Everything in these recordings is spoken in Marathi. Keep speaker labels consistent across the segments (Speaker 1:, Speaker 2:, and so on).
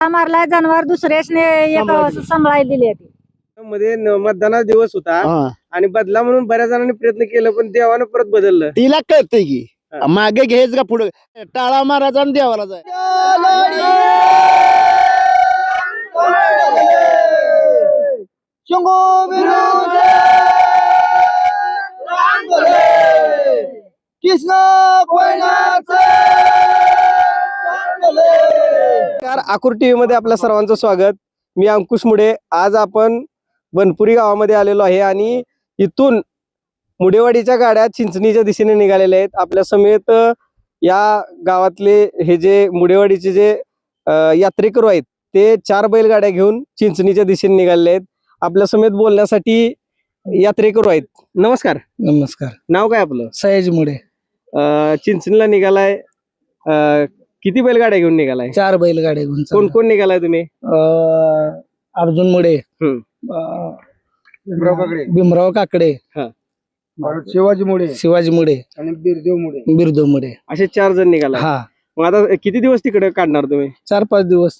Speaker 1: मारला जनावर दुसऱ्याने एक सांभाळायला दिली
Speaker 2: मध्ये मतदानाचा दिवस होता आणि बदला म्हणून बऱ्याच जणांनी प्रयत्न केला पण देवानं परत बदललं.
Speaker 3: तिला कळतंय की मागे घ्यायच का पुढे टाळा मारायचा आणि देवाला जाय.
Speaker 2: आकुर टीव्ही मध्ये आपल्या सर्वांचं स्वागत. मी अंकुश मुडे. आज आपण बनपुरी गावामध्ये आलेलो आहे आणि इथून मुडेवाडीच्या गाड्या चिंचणीच्या दिशेने निघालेल्या आहेत. आपल्या समेत या गावातले हे जे मुडेवाडीचे जे यात्रेकरू आहेत ते 4 बैलगाड्या घेऊन चिंचणीच्या दिशेने निघालेले आहेत. आपल्या समेत बोलण्यासाठी यात्रेकरू आहेत. नमस्कार.
Speaker 3: नमस्कार.
Speaker 2: नाव काय आपलं?
Speaker 3: सयाजी मुडे.
Speaker 2: चिंचणीला निघालाय. किती बैलगाड्या घेऊन निघालाय?
Speaker 3: 4 बैलगाड्या घेऊन.
Speaker 2: कोण कोण निघालाय तुम्ही?
Speaker 3: अर्जुन मुडे, भीमराव काकडे, शिवाजी मुडे
Speaker 2: आणि
Speaker 3: बिरदेव मुडे
Speaker 2: असे 4 जण निघालाय.
Speaker 3: हा.
Speaker 2: मग आता किती दिवस तिकडे काढणार तुम्ही?
Speaker 3: 4-5 दिवस.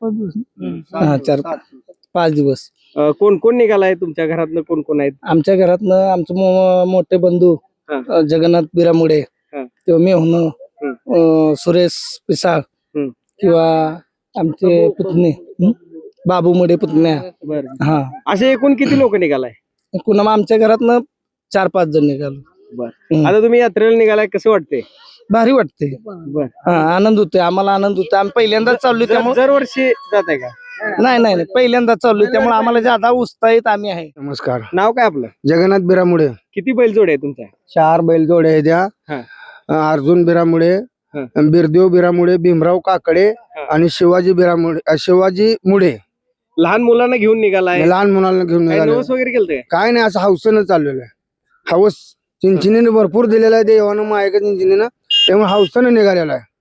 Speaker 3: 4-5 दिवस.
Speaker 2: कोण कोण निघालाय तुमच्या घरातनं? कोण कोण आहेत?
Speaker 3: आमच्या घरातनं आमचे मोठे बंधू जगन्नाथ बिरामुडे, किंवा मी होणं सुरेश पिसाळ, किंवा आमचे पुतणे बाबू मुडे पुतण्या. हा.
Speaker 2: असे एकूण किती लोक निघालाय?
Speaker 3: एकूण आमच्या घरातनं 4-5 जण निघालो.
Speaker 2: आता तुम्ही यात्रेला निघालाय, कसं वाटतंय?
Speaker 3: भारी वाटते. आनंद होतोय. आम्हाला आनंद होतोय. आम्ही पहिल्यांदाच चाललोय त्यामुळे.
Speaker 2: दरवर्षी जात आहे का?
Speaker 3: नाही पहिल्यांदाच चाललोय त्यामुळे आम्हाला ज्यादा उत्साहित आम्ही आहे.
Speaker 2: नमस्कार. नाव काय आपलं?
Speaker 3: जगन्नाथ बिरामुडे.
Speaker 2: किती बैलजोड आहे तुमच्या?
Speaker 3: 4 बैलजोडे आहे त्या. अर्जुन बिरामुडे, बिरदेव बिरामुडे, भीमराव काकडे आणि शिवाजी मुडे.
Speaker 2: लहान मुलांना घेऊन निघालाय?
Speaker 3: लहान मुलांना घेऊन निघाले.
Speaker 2: नवस वगैरे केलं
Speaker 3: काय नाही, असं हौसेनं चाललेलं आहे. हौस चिंचणीने भरपूर दिलेला आहे देवानं मायका चिंचणीनं, त्यामुळे हौसेनं निघालेला आहे.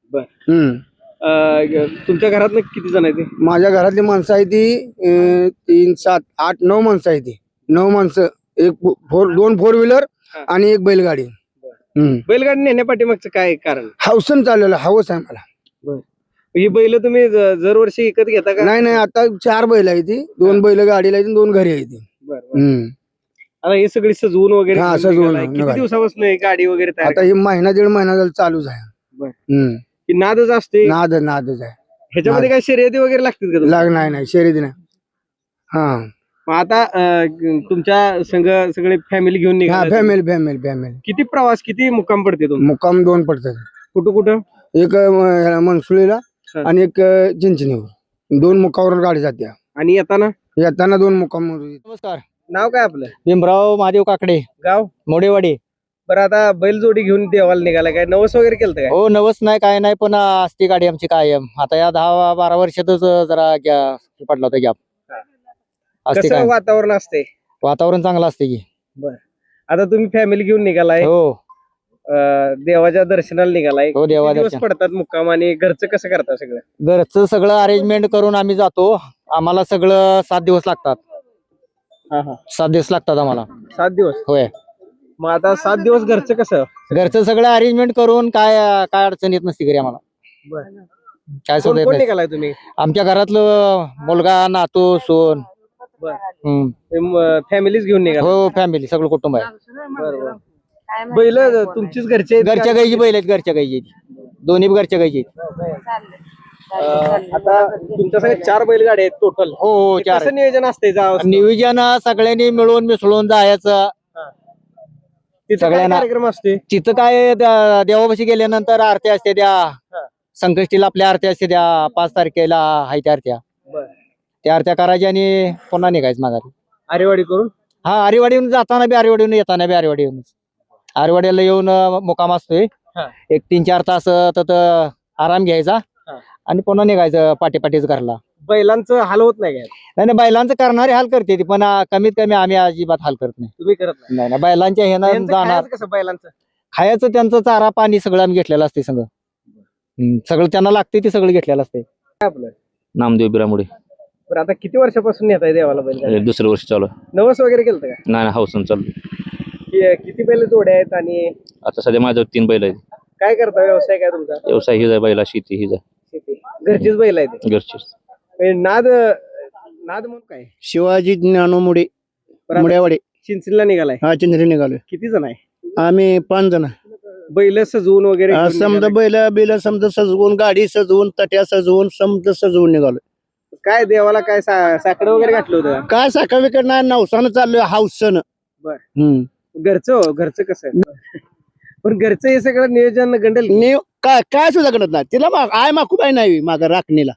Speaker 2: तुमच्या घरात किती जण आहेत?
Speaker 3: माझ्या घरातली माणसं आहे ती 3, 7, 8, 9 माणसं आहे ती. 9 माणसं. 2 4 व्हीलर आणि 1 बैलगाडी.
Speaker 2: बैलगाडी नेण्यापाठीमागचं काय कारण?
Speaker 3: हौसन चाललेलं. हवस आहे मला.
Speaker 2: ही बैल तुम्ही दरवर्षी विकत घेता का?
Speaker 3: नाही, आता 4 बैल आहे ती. 2 बैल गाडीला आहे, 2 घरी आहे ती.
Speaker 2: आता हे सगळी सजवून वगैरे
Speaker 3: सजवून
Speaker 2: किती दिवसापासून गाडी वगैरे तयार?
Speaker 3: आता ही महिना 1.5 महिना झाला चालूच आहे.
Speaker 2: नादच असते.
Speaker 3: नादच आहे.
Speaker 2: ह्याच्यामध्ये काय शर्यती वगैरे लागतील का?
Speaker 3: नाही शर्यती नाही.
Speaker 2: आता तुमच्या संघ सगळे फॅमिली घेऊन निघा?
Speaker 3: फॅमिली.
Speaker 2: किती प्रवास, किती मुक्काम पडते?
Speaker 3: मुक्काम 2 पडतात.
Speaker 2: कुठं?
Speaker 3: एक मनसुळीला आणि एक चिंचणीवर. 2 मुक्कावर गाडी जाते.
Speaker 2: आणि येताना
Speaker 3: 2 मुक्काम.
Speaker 2: नमस्कार. नाव काय आपलं?
Speaker 3: भीमराव महादेव काकडे,
Speaker 2: गाव
Speaker 3: मोडेवाडी.
Speaker 2: बरं, आता बैलजोडी घेऊन देवाला निघाला, काय नवस वगैरे केलं काय?
Speaker 3: हो, नवस नाही काय नाही, पण असती गाडी आमची कायम. आता या 10-12 वर्षातच जरा पडला होता गॅप.
Speaker 2: कसं वातावरण असते?
Speaker 3: वातावरण चांगलं असते की.
Speaker 2: आता तुम्ही फॅमिली घेऊन निघालाय.
Speaker 3: हो.
Speaker 2: देवाच्या दर्शनाला निघालाय.
Speaker 3: हो, देवाच्या
Speaker 2: पडतात मुक्काम. आणि घरचं कसं करता? सगळं
Speaker 3: घरचं सगळं अरेंजमेंट करून आम्ही जातो. आम्हाला सगळं 7 दिवस लागतात. 7 दिवस लागतात आम्हाला.
Speaker 2: 7 दिवस?
Speaker 3: होय.
Speaker 2: मग आता 7 दिवस घरचं कसं?
Speaker 3: घरचं सगळं अरेंजमेंट करून काय अडचण येत नसती घरी आम्हाला. काय
Speaker 2: कोण निघालाय तुम्ही?
Speaker 3: आमच्या घरातलं मुलगा, नातू, सोन.
Speaker 2: फॅमिलीच घेऊन निघाला?
Speaker 3: हो, फॅमिली सगळं कुटुंब आहे.
Speaker 2: बैल तुमचीच घरचे?
Speaker 3: घरच्या गाईची बैल आहेत. घरच्या गाईची दोन्ही घरच्या गाईची.
Speaker 2: आता तुमच्या सगळ्या 4 बैलगाडी आहेत टोटल?
Speaker 3: हो, 4.
Speaker 2: कसं नियोजन असते?
Speaker 3: नियोजन सगळ्यांनी मिळून मिसळून जायचं.
Speaker 2: सगळ्यांना कार्यक्रम असते
Speaker 3: तिथं. काय देवापाशी गेल्यानंतर आरती असते. त्या संकष्टीला आपल्या आरती असते. त्या 5 तारखेला आहे त्या आरत्या. त्या आरत्या करायच्या आणि पुन्हा निघायचं माघारी.
Speaker 2: आरेवाडी करून?
Speaker 3: आरेवाडीहून जाताना बी आरेवाडीहून, येताना बी आरेवाडीहून. आरेवाडीला येऊन मुक्काम असतोय. एक 3-4 तास आराम घ्यायचा आणि पुन्हा निघायचं पाठीच घरला.
Speaker 2: बैलांचं हाल होत नाही?
Speaker 3: नाही, बैलांचं करणारे हाल करते ती, पण कमीत कमी आम्ही अजिबात हाल करत नाही.
Speaker 2: तुम्ही करत
Speaker 3: नाही? बैलांच्या हे जाणार.
Speaker 2: कसं बैलांचं
Speaker 3: खायचं त्यांचं चारा पाणी सगळं आम्ही घेतलेलं असते. सगळं त्यांना लागते ते सगळं घेतलेलं असते.
Speaker 2: आपलं
Speaker 4: नामदेव बिरामुडे.
Speaker 2: बरं, आता किती वर्षापासून येत आहे देवाला बैल?
Speaker 4: 2रं वर्ष चालू.
Speaker 2: नवस वगैरे केलं का?
Speaker 4: नाही, हौसन चालू.
Speaker 2: किती बैल जोड्या आहेत? आणि
Speaker 4: आता सध्या माझ्यावर 3 बैल आहेत.
Speaker 2: काय करता? व्यवसाय काय तुमचा?
Speaker 4: व्यवसाय हिजा, बैला शेती हिजा.
Speaker 2: घरचीच बैल आहे
Speaker 4: घरची
Speaker 2: ते नाद नाद म्हणून काय
Speaker 5: शिवाजी ज्ञानोमुडे
Speaker 2: बरं, आता
Speaker 5: मुड्यावाडे
Speaker 2: चिंचणीला निघालाय
Speaker 5: हा चिंचणी निघालोय.
Speaker 2: किती जण आहे
Speaker 5: आम्ही 5 जण.
Speaker 2: बैल सजवून वगैरे घेऊन
Speaker 5: समजा
Speaker 2: निघालाय.
Speaker 5: बैल बिल समजा सजवून गाडी सजवून तट्या सजवून समजा सजवून निघालोय.
Speaker 2: काय देवाला काय साकडं वगैरे घातलं होतं का?
Speaker 5: काय साखर विकत नाही नवसानं चाललोय हाऊसन.
Speaker 2: बर. घरचं कसं आहे पण घरचं हे सगळं नियोजन गंडल
Speaker 5: काय काय सुद्धा करत नाही तिला आय माकूबाई नाही मागा राखणीला.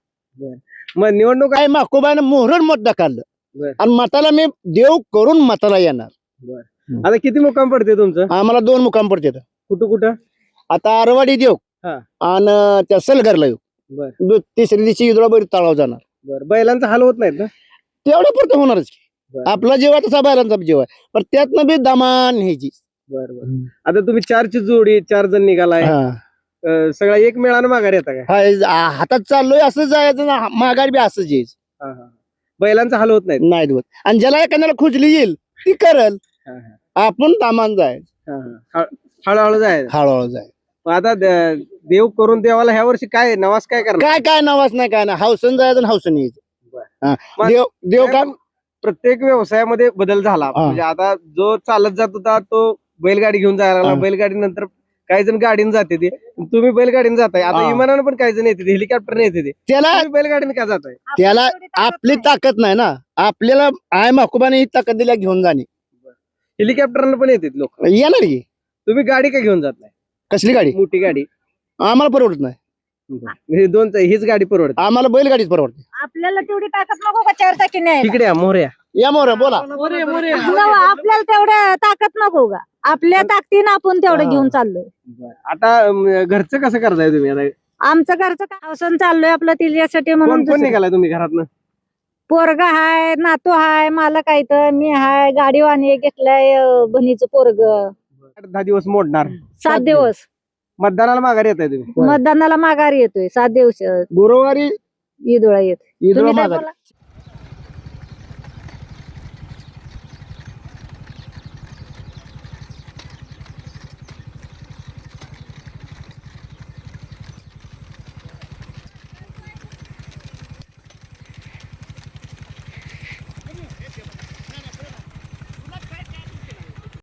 Speaker 2: मग निवडणूक
Speaker 5: काय माकूबाईनं मोहरण मत दाखवलं
Speaker 2: बर.
Speaker 5: आणि मताला मी देव करून मताला येणार.
Speaker 2: आता किती मुक्काम पडते तुमचं
Speaker 5: आम्हाला 2 मुकाम पडते.
Speaker 2: कुठं
Speaker 5: आता आरवाडी देव
Speaker 2: हा.
Speaker 5: आणि त्या सलगरला येऊ.
Speaker 2: बर.
Speaker 5: तिसऱ्या दिवशी इदुळाबाई तळाव जाणार.
Speaker 2: बर. बैलांचा हाल होत नाहीत ना
Speaker 5: तेवढं पुरतं होणारच की.
Speaker 2: बरं.
Speaker 5: आपला जीव आहे तसा बैलांचा जीव आहे पण त्यातनं बी दमान ह्याची.
Speaker 2: बर. आता तुम्ही 4ची जोडी 4 जण निघालाय सगळा एक मेळानं माघार येता काय
Speaker 5: हातात चाललोय असं जायचं ना माघारी बी असंच यायचं.
Speaker 2: बैलांचा हाल होत नाहीत
Speaker 5: नाही होत आणि ज्याला एखाद्याला खुजली येईल ती करल. आपण दामान जायचं
Speaker 2: हळूहळू जायचं
Speaker 5: हळूहळू जाय.
Speaker 2: मग आता देव करून देवाला ह्या वर्षी काय नवास काय करणार
Speaker 5: काय काय नवाज नाही काय नाही हौसन जायचं आणि हौसन यायचं. हा.
Speaker 2: मग-
Speaker 5: देव देव काय
Speaker 2: प्रत्येक व्यवसायामध्ये बदल झाला म्हणजे आता जो चालत जात होता तो बैलगाडी घेऊन जायला लागला.
Speaker 5: हा.
Speaker 2: बैलगाडी नंतर काही जण गाडीने जाते ते तुम्ही बैलगाडीने जाताय आता
Speaker 5: हा.
Speaker 2: विमानानं पण काही जण येते हेलिकॉप्टरने येते ते
Speaker 5: त्याला
Speaker 2: तुम्ही बैलगाडीने का जाताय
Speaker 5: त्याला आपली ताकद नाही ना आपल्याला आय माकुबाने ही ताकद दिल्या घेऊन जाणे.
Speaker 2: हेलिकॉप्टरने पण येते लोक
Speaker 5: येणार की
Speaker 2: तुम्ही गाडी का घेऊन जात नाही
Speaker 5: कसली गाडी
Speaker 2: मोठी गाडी
Speaker 5: आम्हाला परवडत नाही.
Speaker 2: हे हीच गाडी परवडते
Speaker 5: आम्हाला बैलगाडीच परवडते.
Speaker 1: आपल्याला तेवढी ताकद नको का 4 चाकी न्यायला?
Speaker 2: तिकडे या मोऱ्या
Speaker 5: या मोर बोला.
Speaker 1: आपल्याला तेवढ्या ताकद नको का आपल्या ताकदीनं आपण तेवढं घेऊन चाललोय.
Speaker 2: आता घरचं कसं करताय तुम्ही आता
Speaker 1: आमचं घरचं काम चाललोय आपलं तिच्यासाठी
Speaker 2: कोण
Speaker 1: म्हणून
Speaker 2: कोण
Speaker 1: दुसरं.
Speaker 2: निघालाय तुम्ही घरातनं
Speaker 1: पोरगा हाय नातू हाय मालक आहे तर मी हाय गाडीवाणी घेतलाय बहिणीचं पोरग
Speaker 2: 10 दिवस मोडणार
Speaker 1: 7 दिवस
Speaker 2: मतदानाला माघारी येत आहे तुम्ही
Speaker 1: मतदानाला माघारी येतोय 7 दिवस
Speaker 5: गुरुवारी
Speaker 1: ईदोळा येत
Speaker 5: ईदला
Speaker 1: तुम्ही काय
Speaker 5: माघारी.
Speaker 1: बोला?